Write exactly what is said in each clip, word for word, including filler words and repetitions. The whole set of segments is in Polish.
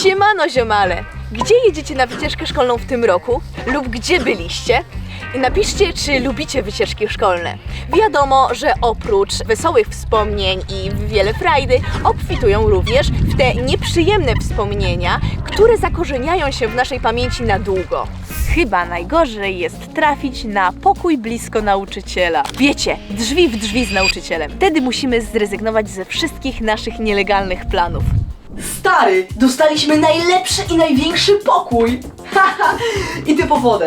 Siemano ziomale! Gdzie jedziecie na wycieczkę szkolną w tym roku? Lub gdzie byliście? I napiszcie, czy lubicie wycieczki szkolne. Wiadomo, że oprócz wesołych wspomnień i wiele frajdy obfitują również w te nieprzyjemne wspomnienia, które zakorzeniają się w naszej pamięci na długo. Chyba najgorzej jest trafić na pokój blisko nauczyciela. Wiecie, drzwi w drzwi z nauczycielem. Wtedy musimy zrezygnować ze wszystkich naszych nielegalnych planów. Stary, dostaliśmy najlepszy i największy pokój! Haha, idę po wodę.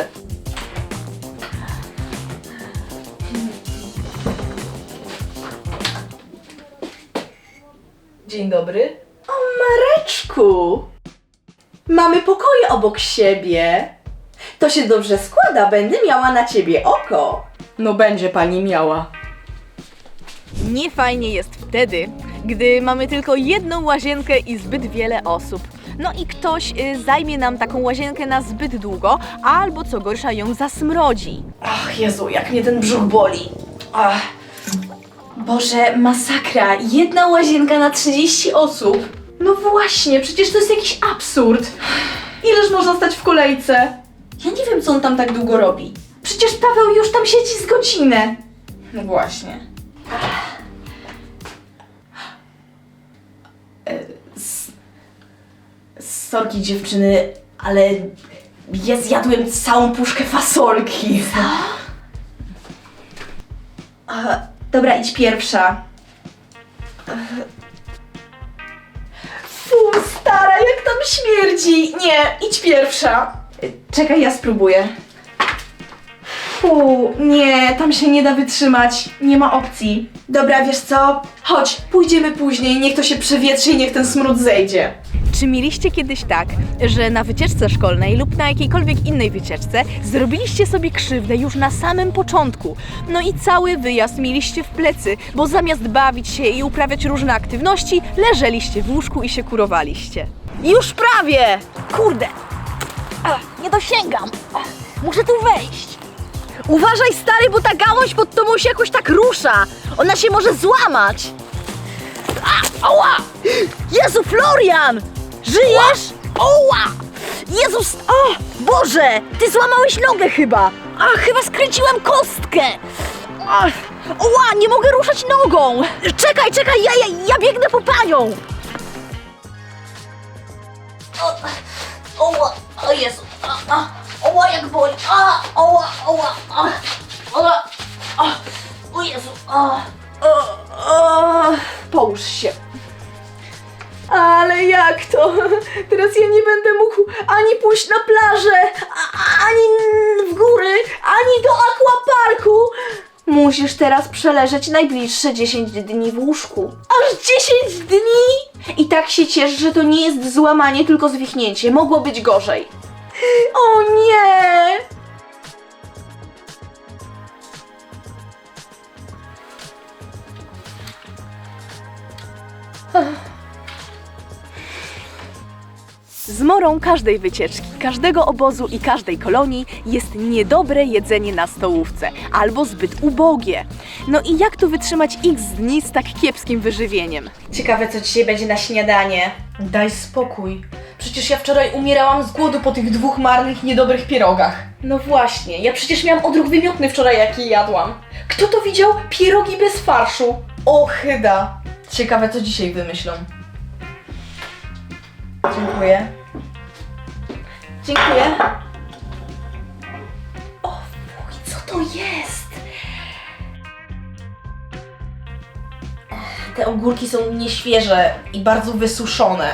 Dzień dobry. O, Mareczku! Mamy pokoje obok siebie. To się dobrze składa, będę miała na ciebie oko. No będzie pani miała. Niefajnie jest wtedy, gdy mamy tylko jedną łazienkę i zbyt wiele osób. No i ktoś y, zajmie nam taką łazienkę na zbyt długo, albo co gorsza ją zasmrodzi. Ach, Jezu, jak mnie ten brzuch boli. Ach. Boże, masakra. Jedna łazienka na trzydzieści osób. No właśnie, przecież to jest jakiś absurd. Ileż można stać w kolejce? Ja nie wiem, co on tam tak długo robi. Przecież Paweł już tam siedzi z godzinę. No właśnie. E, s- Sorki dziewczyny, ale ja zjadłem całą puszkę fasolki. Co? A, dobra, idź pierwsza. Fu, stara, jak tam śmierdzi. Nie, idź pierwsza. Czekaj, ja spróbuję. Fu, nie, tam się nie da wytrzymać. Nie ma opcji. Dobra, wiesz co? Chodź, pójdziemy później, niech to się przewietrzy i niech ten smród zejdzie. Czy mieliście kiedyś tak, że na wycieczce szkolnej lub na jakiejkolwiek innej wycieczce zrobiliście sobie krzywdę już na samym początku? No i cały wyjazd mieliście w plecy, bo zamiast bawić się i uprawiać różne aktywności, leżeliście w łóżku i się kurowaliście. Już prawie! Kurde! Ach, nie dosięgam! Ach, muszę tu wejść! Uważaj, stary, bo ta gałąź pod tobą się jakoś tak rusza! Ona się może złamać! A, ała! Jezu, Florian! Żyjesz? Oła! Jezus! O! Boże! Ty złamałeś nogę chyba! A, chyba skręciłem kostkę! Ach, oła! Nie mogę ruszać nogą! Czekaj, czekaj! Ja, ja, ja biegnę po panią! O, oła! O Jezu! A, a, oła, jak boli! A, oła, oła! A, oła! A, o Jezu! A, O, o, połóż się. Ale jak to? Teraz ja nie będę mógł ani pójść na plażę, a, ani w góry, ani do aquaparku. Musisz teraz przeleżeć najbliższe dziesięć dni w łóżku. Aż dziesięć dni? I tak się ciesz, że to nie jest złamanie, tylko zwichnięcie. Mogło być gorzej. O nie! Zmorą każdej wycieczki, każdego obozu i każdej kolonii jest niedobre jedzenie na stołówce, albo zbyt ubogie. No i jak tu wytrzymać x dni z tak kiepskim wyżywieniem? Ciekawe, co dzisiaj będzie na śniadanie. Daj spokój. Przecież ja wczoraj umierałam z głodu po tych dwóch marnych, niedobrych pierogach. No właśnie, ja przecież miałam odruch wymiotny wczoraj, jak je jadłam. Kto to widział? Pierogi bez farszu. Ochyda. Ciekawe, co dzisiaj wymyślą. Dziękuję. Dziękuję. O fuj, co to jest? Te ogórki są nieświeże i bardzo wysuszone.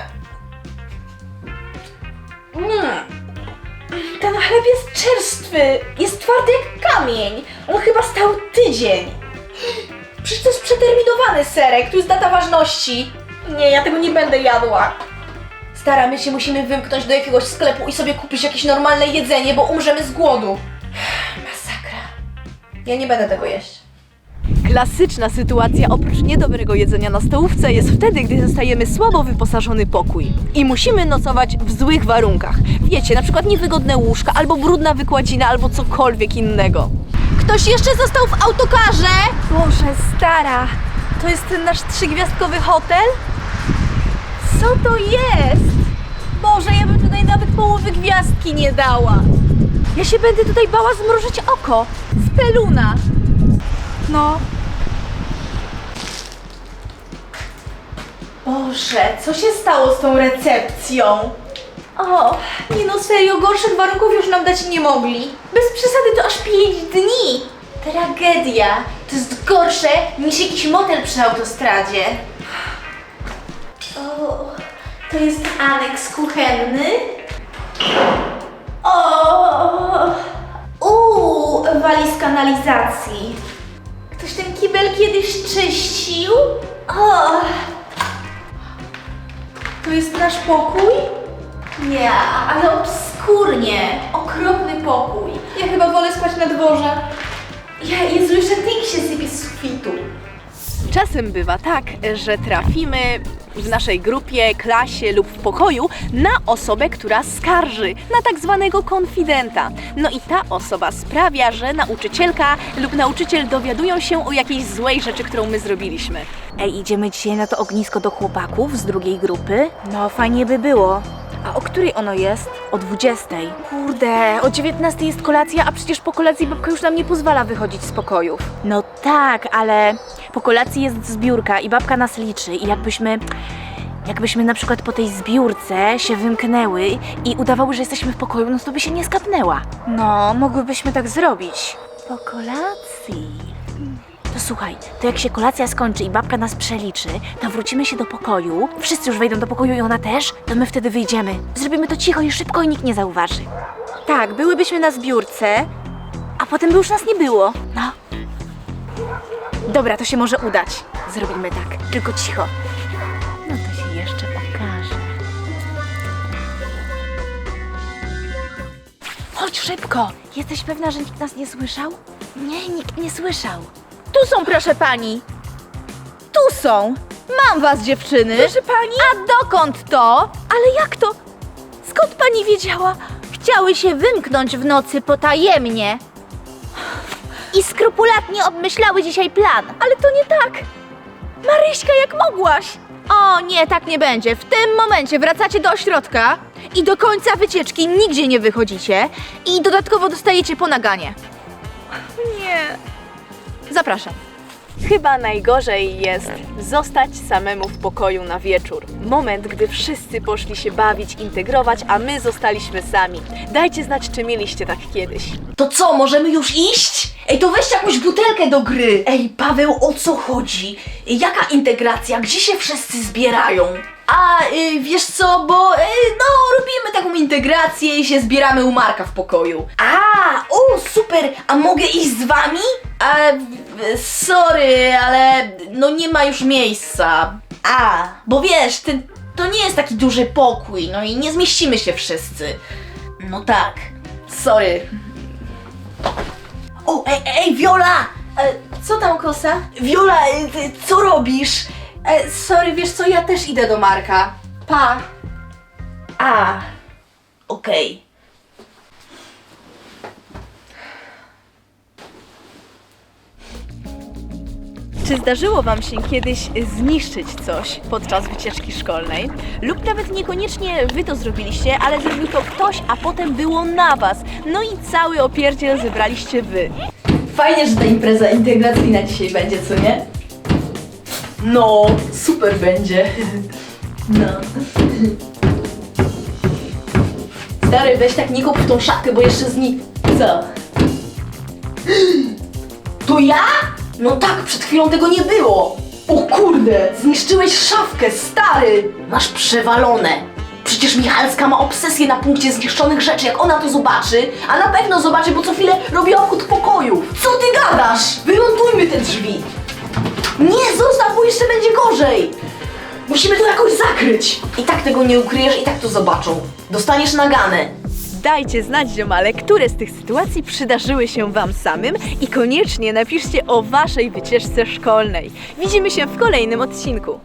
Mm. Ten chleb jest czerstwy, jest twardy jak kamień. On chyba stał tydzień. Przecież to jest przeterminowany serek, tu jest data ważności. Nie, ja tego nie będę jadła. Stara, my się musimy wymknąć do jakiegoś sklepu i sobie kupić jakieś normalne jedzenie, bo umrzemy z głodu. Masakra. Ja nie będę tego jeść. Klasyczna sytuacja oprócz niedobrego jedzenia na stołówce jest wtedy, gdy dostajemy słabo wyposażony pokój i musimy nocować w złych warunkach. Wiecie, na przykład niewygodne łóżka, albo brudna wykładzina, albo cokolwiek innego. Ktoś jeszcze został w autokarze? Boże, stara, to jest ten nasz trzygwiazdkowy hotel? Co to jest? Boże, ręki nie dała. Ja się będę tutaj bała zmrużyć oko. Speluna. No. Boże, co się stało z tą recepcją? O, nie no serio, gorszych warunków już nam dać nie mogli. Bez przesady to aż pięć dni. Tragedia. To jest gorsze niż jakiś motel przy autostradzie. O, to jest aneks kuchenny. O, uuu, walizka kanalizacji. Ktoś ten kibel kiedyś czyścił? O, to jest nasz pokój? Nie, ale obskurnie. Okropny pokój. Ja chyba wolę spać na dworze. Ja, Jezu, jeszcze tyk się sypie z sufitu. Czasem bywa tak, że trafimy w naszej grupie, klasie lub w pokoju na osobę, która skarży, na tak zwanego konfidenta. No i ta osoba sprawia, że nauczycielka lub nauczyciel dowiadują się o jakiejś złej rzeczy, którą my zrobiliśmy. Ej, idziemy dzisiaj na to ognisko do chłopaków z drugiej grupy? No, fajnie by było. A o której ono jest? O dwudziestej. Kurde, o dziewiętnastej jest kolacja, a przecież po kolacji babka już nam nie pozwala wychodzić z pokojów. No tak, ale po kolacji jest zbiórka i babka nas liczy i jakbyśmy... Jakbyśmy na przykład po tej zbiórce się wymknęły i udawały, że jesteśmy w pokoju, no to by się nie skapnęła. No, mogłybyśmy tak zrobić. Po kolacji... To słuchaj, to jak się kolacja skończy i babka nas przeliczy, to wrócimy się do pokoju, wszyscy już wejdą do pokoju i ona też, to my wtedy wyjdziemy. Zrobimy to cicho i szybko i nikt nie zauważy. Tak, byłybyśmy na zbiórce, a potem by już nas nie było. No. Dobra, to się może udać. Zrobimy tak, tylko cicho. No to się jeszcze okaże. Chodź szybko! Jesteś pewna, że nikt nas nie słyszał? Nie, nikt nie słyszał. Tu są, proszę pani. Tu są. Mam was, dziewczyny. Proszę pani? A dokąd to? Ale jak to? Skąd pani wiedziała? Chciały się wymknąć w nocy potajemnie i skrupulatnie obmyślały dzisiaj plan. Ale to nie tak. Maryśka, jak mogłaś? O nie, tak nie będzie. W tym momencie wracacie do ośrodka i do końca wycieczki nigdzie nie wychodzicie i dodatkowo dostajecie po naganie. Nie. Zapraszam. Chyba najgorzej jest zostać samemu w pokoju na wieczór. Moment, gdy wszyscy poszli się bawić, integrować, a my zostaliśmy sami. Dajcie znać, czy mieliście tak kiedyś. To co, możemy już iść? Ej, to weź jakąś butelkę do gry. Ej, Paweł, o co chodzi? Jaka integracja? Gdzie się wszyscy zbierają? A, y, wiesz co, bo y, no, robimy taką integrację i się zbieramy u Marka w pokoju. A, o, super, a mogę iść z wami? A, y, sorry, ale no nie ma już miejsca. A, bo wiesz, ty, to nie jest taki duży pokój, no i nie zmieścimy się wszyscy. No tak, sorry. O, ej, ej, Viola! E, co tam, Kosa? Viola, e, ty, co robisz? E, sorry, wiesz co, ja też idę do Marka. Pa. A, okej. Czy zdarzyło wam się kiedyś zniszczyć coś podczas wycieczki szkolnej? Lub nawet niekoniecznie wy to zrobiliście, ale zrobił to ktoś, a potem było na was. No i cały opierdziel zebraliście wy. Fajnie, że ta impreza integracyjna dzisiaj będzie, co nie? No, super będzie. No. Stary, weź tak nie kop w tą szafkę, bo jeszcze zni... Co? To ja? No tak, przed chwilą tego nie było. O kurde, zniszczyłeś szafkę, stary. Masz przewalone. Przecież Michalska ma obsesję na punkcie zniszczonych rzeczy. Jak ona to zobaczy, a na pewno zobaczy, bo co chwilę robi obchód pokoju. Co ty gadasz? Wymontujmy te drzwi. Nie, zostaw, bo jeszcze będzie gorzej. Musimy to jakoś zakryć. I tak tego nie ukryjesz, i tak to zobaczą. Dostaniesz naganę. Dajcie znać, ziomale, które z tych sytuacji przydarzyły się wam samym i koniecznie napiszcie o waszej wycieczce szkolnej. Widzimy się w kolejnym odcinku.